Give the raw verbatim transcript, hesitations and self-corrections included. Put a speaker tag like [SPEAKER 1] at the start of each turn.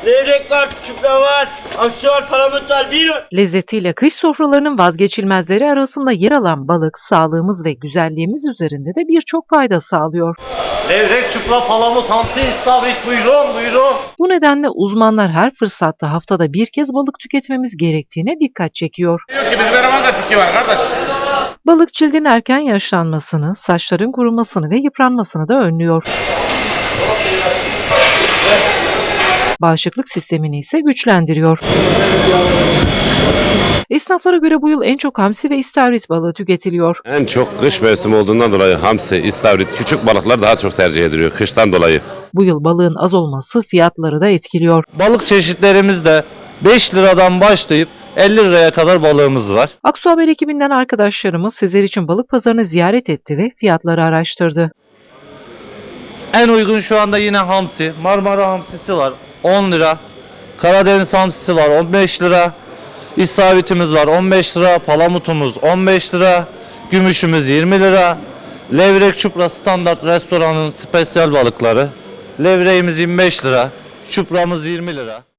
[SPEAKER 1] levrek var, çupra var, hamsi var, palamut var. Buyurun.
[SPEAKER 2] Lezzetiyle kış sofralarının vazgeçilmezleri arasında yer alan balık, sağlığımız ve güzelliğimiz üzerinde de birçok fayda sağlıyor.
[SPEAKER 3] Levrek, çupra, palamut, hamsi, istavrit, buyurun buyurun.
[SPEAKER 2] Bu nedenle uzmanlar her fırsatta haftada bir kez balık tüketmemiz gerektiğine dikkat çekiyor.
[SPEAKER 4] Diyor ki bizim eleman da tiki var kardeş.
[SPEAKER 2] Balık cildin erken yaşlanmasını, saçların kurumasını ve yıpranmasını da önlüyor. Bağışıklık sistemini ise güçlendiriyor. Esnaflara göre bu yıl en çok hamsi ve istavrit balığı tüketiliyor.
[SPEAKER 5] En çok kış mevsimi olduğundan dolayı hamsi, istavrit, küçük balıklar daha çok tercih ediliyor kıştan dolayı.
[SPEAKER 2] Bu yıl balığın az olması fiyatları da etkiliyor.
[SPEAKER 3] Balık çeşitlerimizde beş liradan başlayıp elli liraya kadar balığımız var.
[SPEAKER 2] Aksu Haber ekibinden arkadaşlarımız sizler için balık pazarını ziyaret etti ve fiyatları araştırdı.
[SPEAKER 3] En uygun şu anda yine hamsi. Marmara hamsisi var on lira. Karadeniz hamsisi var on beş lira. İstavritimiz var on beş lira. Palamutumuz on beş lira. Gümüşümüz yirmi lira. Levrek, çupra standart restoranın spesiyel balıkları. Levreğimiz yirmi beş lira. Çupramız yirmi lira.